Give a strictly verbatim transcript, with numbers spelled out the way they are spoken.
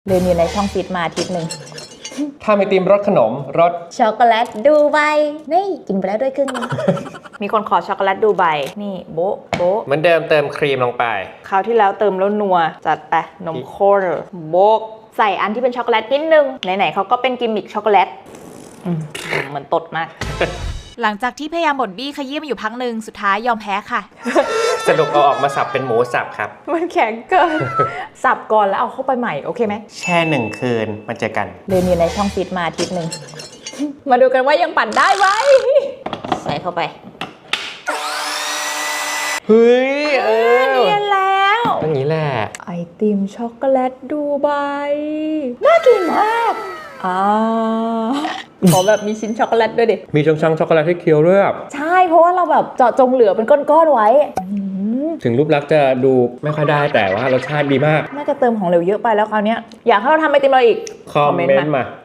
ลืมอยู่ในช่องฟิตมาอาทิตย์หนึ่งทำไอติมรสขนมรสช็อกโกแลตดูไบนี่กินไปแล้วด้วยครึ่งนึง มีคนขอช็อกโกแลตดูไบนี่โบ๊ะโบ๊ะเหมือนเดิมเติมครีมลงไปคราวที่แล้วเติมแล้วนัวจัดไปนมข้นโบ๊ะใส่อันที่เป็นช็อกโกแลตนิดนึงไหนๆเขาก็เป็นกิมมิคช็อกโกแลตเหมือนตดมากหลังจากที่พยายามบ่นบี้ขยี้มาอยู่พักหนึ่งสุดท้ายยอมแพ้ค่ะสรุปเอาออกมาสับเป็นหมูสับครับมันแข็งเกิน สับก่อนแล้วเอาเข้าไปใหม่โอเคไหมแช่หนึ่งคืนมาเจอกันลืมอยู่ในช่องฟิตมาอาทิตย์หนึ่ง มาดูกันว่ายังปั่นได้ไหมใส่เข้าไปเฮ้ยเออเนียนแล้วอย่างนี้แหละไอติมช็อกโกแลตดูไบน่ากินมากอ่าขอแบบมีชิ้นช็อกโกแลตด้วยดิมีช่องๆช็อกโกแลตให้เคี้ยวด้วยใช่เพราะว่าเราแบบเจาะจงเหลือเป็นก้อนๆไว้ถึงรูปลักษณ์จะดูไม่ค่อยได้แต่ว่ารสชาติดีมากน่าจะเติมของเหลวเยอะไปแล้วคราวนี้อยากให้เราทำไอติมอะไรอีกคอมเมนต์มา